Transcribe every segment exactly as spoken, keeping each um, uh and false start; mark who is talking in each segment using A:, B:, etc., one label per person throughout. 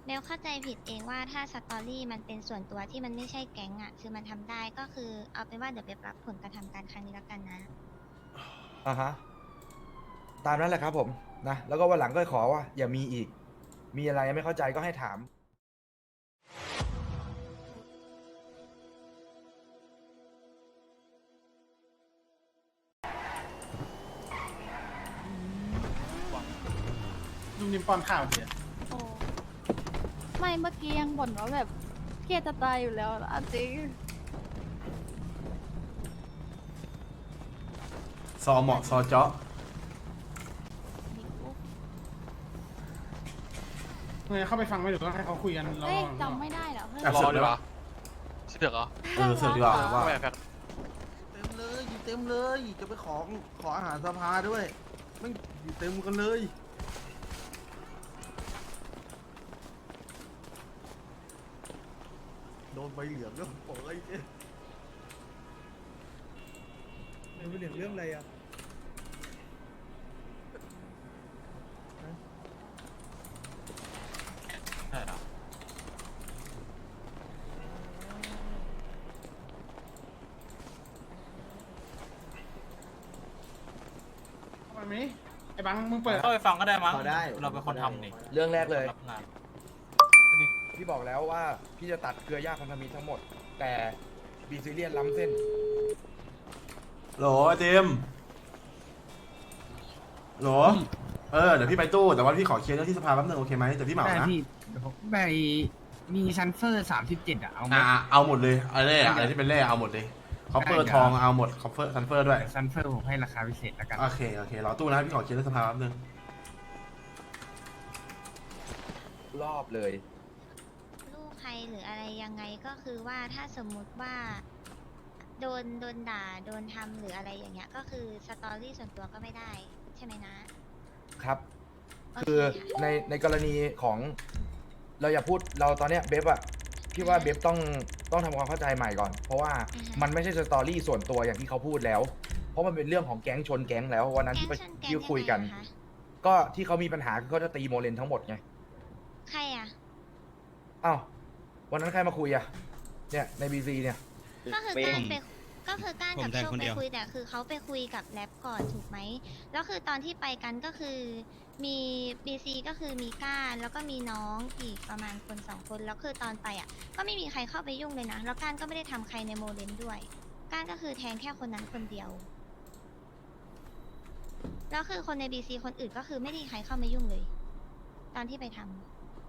A: เบลเข้าใจผิดเองว่าถ้าสตอรี่มันเป็นส่วนตัวที่มันไม่ใช่แก๊งอ่ะคือมันทำได้ก็คือเอาเป็นว่าเดี๋ยวเบลรับผลกระทำการครั้งนี้แล้วกันนะ
B: อ่าฮะตามนั้นแหละครับผมนะแล้วก็วันหลังก็ขอว่าอย่ามีอีกมีอะไรไม่เข้าใจก็ให้ถาม
C: ลุงนิมป้อนข้าวเสีย
D: โอ้ไม่เมื่อกี้ยังบ่นว่าแบบเครียดจะตายอยู่แล้วอะจริง
E: ซอเหมาะซอเจาะ
C: เฮ้ยเข้าไปฟังไม่ถูกต้องให้เขาคุยกันแล้ว
D: เฮ้ยจำไม่ได้เหรอเพื่อน
E: แอบ
F: ร
E: เสื
F: อ
E: อก
F: ดี
E: ดี
F: ก
E: ก
F: ว่า
E: ว่า
F: เสือกเหรอ
E: เออเสือกดีกว่าว่า
F: ไม่แฟก
G: เต็มเลยอยู่เต็มเลย จะไปขอขออาหารสภาด้วยไม่อยู่เต็มกันเลย โดนใบเหลืองแล้วโอ้ย
B: มันเป็นเรื่องอะไรอ่ะ
F: ใช่เหรอ
C: เข้าไปไหมไอ้บังมึงเปิด
F: เข้าไปฟังก็ได้มั้ง
G: พอได้
F: เราเป็นคนทำนี่
B: เรื่องแรกเลย
F: รับงาน
B: พี่บอกแล้วว่าพี่จะตัดเครือญาติพันธมิตรทั้งหมด แต่บีซิเลียนล้ำเส้น
E: โหลไอติมโหลเออเดี๋ยวพี่ไปตู้แต่ว่าพี่ขอเคลียร์เรื่องที่สภาแป๊บนึงโอเคไหมแต่พี่เหมา
H: ได้
E: นะ
H: พี่เดี๋ยวผมไปมีชันเฟอร์สามสิบเจ็ดอะเอาไหม
E: อ่าเอาหมดเลยอะไรอะอะไรที่เป็นเล่เอาหมดเลยคอปเปอร์ทองเอาหมดคอปเปอร์ซันเฟอร์ด้วย
H: ชันเฟอร์ผมให้ราคาพิเศษแล้วกัน
E: โอเคโอเครอตู้นะพี่ขอเคลียร์เรื่องสภาแป๊บนึง
B: รอบเลย
A: ลูกใครหรืออะไรยังไงก็คือว่าถ้าสมมุติว่า โดนโดนด่าโดนทำหรืออะไรอย่างเงี้ยก็คือสตอรี่ส่วนตัวก็ไม่ได้ใช่ไหมนะครับ โ
B: คือ
A: เะ
B: ในในกรณีของเราอย่าพูดเราตอนเนี้ยเบฟอะพี่ว่าเบฟต้องต้องทำความเข้าใจใหม่ก่อน เพราะว่ามันไม่ใช่สตอรี่ส่วนตัวอย่างที่เขาพูดแล้ว เพราะมันเป็นเรื่องของแก๊งชนแก๊งแล้ววันนั้นที่ไป
A: แก๊งชนแก๊ง
B: ที่คุยกัน
A: ยังไงอะคะ
B: ก็ที่เขามีปัญหาคือเขาจะตีโมเลนทั้งหมดไง
A: ใครอ่ะ
B: อ้าววันนั้นใครมาคุยอะเนี่ยในบีซีเนี่ย
A: ก็คือการไปก็คือการกับ
I: ผมแทน
A: โชค
I: คน
A: ไป
I: เดียว
A: คุยแต่คือเขาไปคุยกับแรปก่อนถูกไหมแล้วคือตอนที่ไปกันก็คือมีบีซีก็คือมีก้านแล้วก็มีน้องอีกประมาณคนสองคนแล้วคือตอนไปอ่ะ ก็ไม่มีใครเข้าไปยุ่งเลยนะแล้วก้านก็ไม่ได้ทำใครในโมเดลด้วยก้านก็คือแทงแค่คนนั้นคนเดียวแล้วคือคนในบีซีคนอื่นก็คือไม่ได้ใครเข้ามายุ่งเลย ตอนที่ไปทำ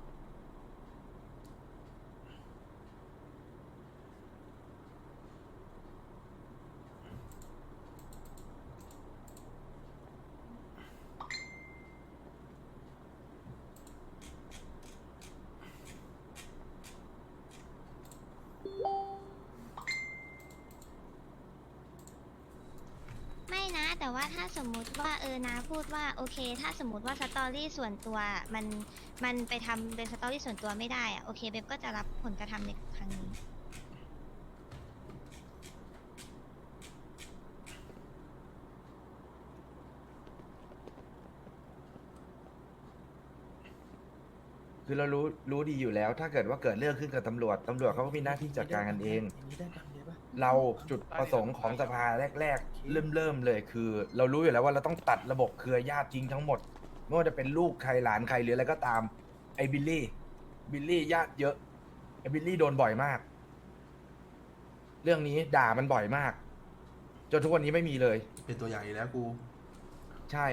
A: ไม่นะ แต่ว่าถ้าสมมุติว่าเออนาพูดว่าโอเค ถ้าสมมติว่าสตอรี่ส่วนตัวมันมันไปทำเป็นสตอรี่ส่วนตัวไม่ได้อะโอเคเบบก็จะรับผลกระทำในครั้งนี้
B: คือเรารู้รู้ดีอยู่แล้ว ถ้าเกิดว่าเกิดเรื่องขึ้นกับตำรวจตำรวจเขาก็มีหน้าที่จัดการกันเอง เราจุดประสงค์ของสภาแรกๆ เริ่มเริ่มเลยคือ เรารู้อยู่แล้วว่าเราต้องตัดระบบเครือญาติจริงทั้งหมดไม่ว่าจะเป็นลูกใครหลานใครหรืออะไรก็ตามไอ้บิลลี่บิลลี่ญาติเยอะไอ้บิลลี่โดนบ่อยมาก เรื่องนี้ด่ามันบ่อยมาก จนทุกวันนี้ไม่มีเลย
E: เป็นตัวอย่างอีกแล้วกู
B: ใช่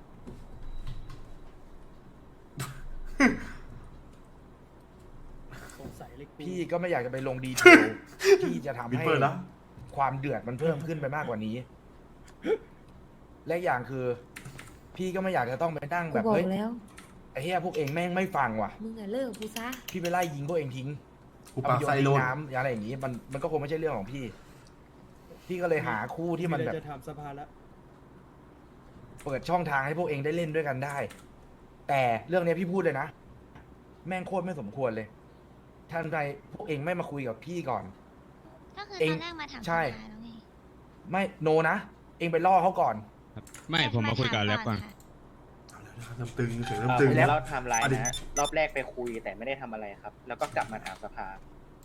B: พี่ก็ไม่อยากจะไปลงดีเทล ที่จะทำ
E: วิป
B: ให้
E: เปอร์นะ
B: ความเดือดมันเพิ่มขึ้นไปมากกว่านี้ และอย่างคือ พี่ก็ไม่อยากจะต้องไปนั่ง
J: กู
B: แบบ
J: บอก
B: เฮ้ย
J: แล้ว
B: ไอ้เหี้ยพวกเองแม่งไม่ฟังว่ะ
J: มึงอะเลิกกับกูซะ
B: พี่ไปไล่ยิงพวกเองทิ้ง
E: กู
B: เอา
E: ปา
B: ไปโยน
E: ไซ
B: ทิ้
E: โล
B: ง
E: น
B: น้ำอะไรอย่างนี้ มันมันก็คงไม่ใช่เรื่องของพี่ พี่ก็เลยหาคู่ที่มันแบบ
G: จะถามสภาแล้ว
B: เปิดช่องทางให้พวกเองได้เล่นด้วยกันได้ แต่เรื่องนี้พี่พูดเลยนะ แม่งโคตรไม่สมควรเลยท่านใดพวกเองไม่มาคุยกับพี่ก่อน
A: ก็คือ
B: เอง
A: ตอนแรกมาถาม
B: ใช่
A: สภาแล้วไง
B: ไม่โนนะ เองไปล่อเขาก่อน
I: ไม่ผมมาคุยกับแรปก่อน
A: ค่ะ
E: เเริ่มตึงเสียง
I: เอ่
E: เริ่ม
I: อ
E: ตึง
I: ผมจะเล่าไทม์ไลน์
E: อ่ะดิ
I: นะฮะรอบแรกไปคุยแต่ไม่ได้ทำอะไรครับ แล้วก็กลับมาถามสภา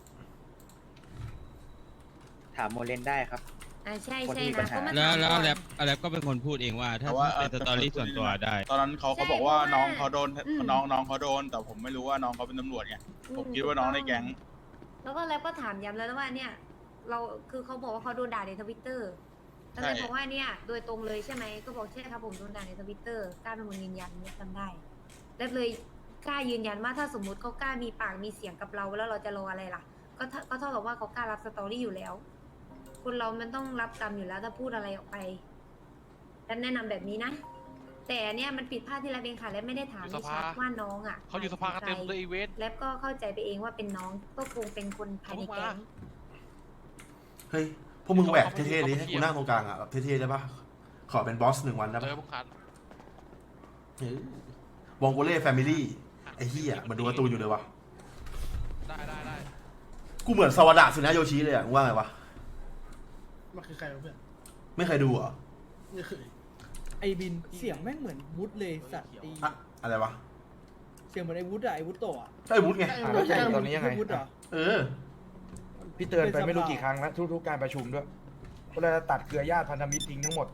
I: ถามโมเลนได้ครับ
J: อ่าใช่
I: คน
J: ใช่
I: ที่มีปัญ
J: นะ
I: หา
J: ก็มา
K: แล้ว
J: ถาม
K: แล้ว
J: ก่อน
K: แลบแลบก็เป็นคนพูดเองว่าถ้า
F: แต่ว่า
K: เป็นสตอรี่ส่วนตัวได้
F: ตอนนั้นเขาเขาบอกว่าน้องเขาโดนน้องน้องเขาโดน แต่ผมไม่รู้ว่าน้องเขาเป็นตำรวจไง ผมคิดว่าน้องในแก๊ง
J: แล้วก็แล้วก็ถามย้ำแล้วว่าเนี่ย เราคือเขาบอกว่าเขาโดนด่าในทวิตเตอร์ก็เลยบอกว่าเนี่ยโดยตรงเลยใช่ไหมก็บอกใช่ครับผมโดนด่าในทวิตเตอร์กล้าเป็นคนยืนยันเนี่ยจำได้แล้วเลยกล้ายืนยันว่าถ้าสมมุติเขากล้ามีปากมีเสียงกับเราแล้วเราจะรออะไรล่ะ ก็เท่าก็เท่ากับว่าเขากล้ารับสตอรี่อยู่แล้ว คนเรามันต้องรับกรรมอยู่แล้วถ้าพูดอะไรออกไปฉันแนะนำแบบนี้นะ แต่อันเนี่ยมันผิดพลาดที่แลบเองค่ะและไม่ได้ถาม
F: อยู่
J: ไม่
F: สภา
J: ชัดว่าน้องอ่ะ
F: เขาอยู่สภากันเต็มเลยอีเวนต์
J: แล้วก็เข้าใจไปเองว่าเป็นน้องก็คงเป็นคนภายในแก๊ง
E: เฮ้ยพวกมึงแหวกเท่ๆดิให้กูนั่งตรงกลางอ่ะแบบเท่ๆได้ปะขอเป็นบอสหนึ่งวันได้
F: เจ
E: ปะ
F: อพวกคัน
E: เฮ้ย วองโกเล่แฟมิลี่ไอ้เหี้ยมันดูการ์ตูนอยู่เลยวะ
F: ได้ได้ได้
E: กูเหมือนสวัสดะสุนะโยชิเลยอ่ะมึงว่าไงวะ
C: มันคือใครวะเพื่อน
E: ไม่เคยดูเหรอ
C: ไม่เคย
L: ไอบินเสียงแม่งเหมือนวุฒเลยสัตว์ไอ
E: อะอะไรวะ
L: เสียงเหมือนไอวุฒอะไอวุฒโตอะ
E: ก็ไอ้วุฒิไง
B: อ่ะแล้วจะอยู่ตอนนี้ยังไง
L: วุฒเหรอ
E: เออ
B: พี่เตือนไปไม่รู้กี่ครั้งแล้วทุกๆการประชุมด้วยก็เลยตัดเครือญาติพันธมิตรทิ้งทั้งหมด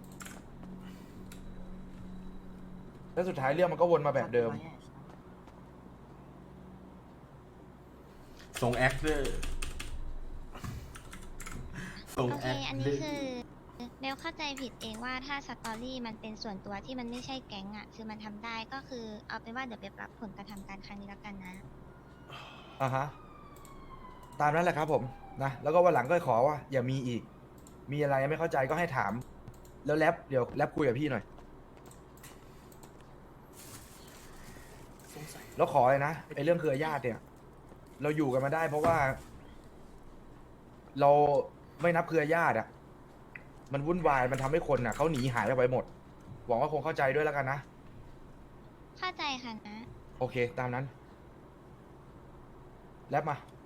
B: แล้วสุดท้ายเรื่องมันก็วนมาแบบเดิม
E: ส่งแอคเดอร์ส่ง
A: โอ
E: แอ
A: เค
E: ค
A: อัน
E: เด
A: นี้
E: อร์
A: คือเบลเข้าใจผิดเองว่าถ้าสตอรี่มันเป็นส่วนตัวที่มันไม่ใช่แก๊งอ่ะ คือมันทำได้ก็คือเอาเป็นว่าเดี๋ยวเบลรับผลกระทำการครั้งนี้แล้วกันนะ
B: อ่าฮะ ตามนั้นแหละครับผมนะ แล้วก็วันหลังก็ขอว่า อย่ามีอีก มีอะไรไม่เข้าใจก็ให้ถาม แล้วแรปเดี๋ยวแรปคุยกับพี่หน่อย แล้วขอเลยนะไอ้เรื่องเครือญาติเนี่ย เราอยู่กันมาได้เพราะว่า เราไม่นับเครือญาติอะมันวุ่นวายมันทำให้คนอะเขาหนีหายไปหมด หวังว่าคงเข้าใจด้วยแล้วกันนะ
A: เข้าใจค่ะนะ
B: โอเค ตามนั้น แรปมา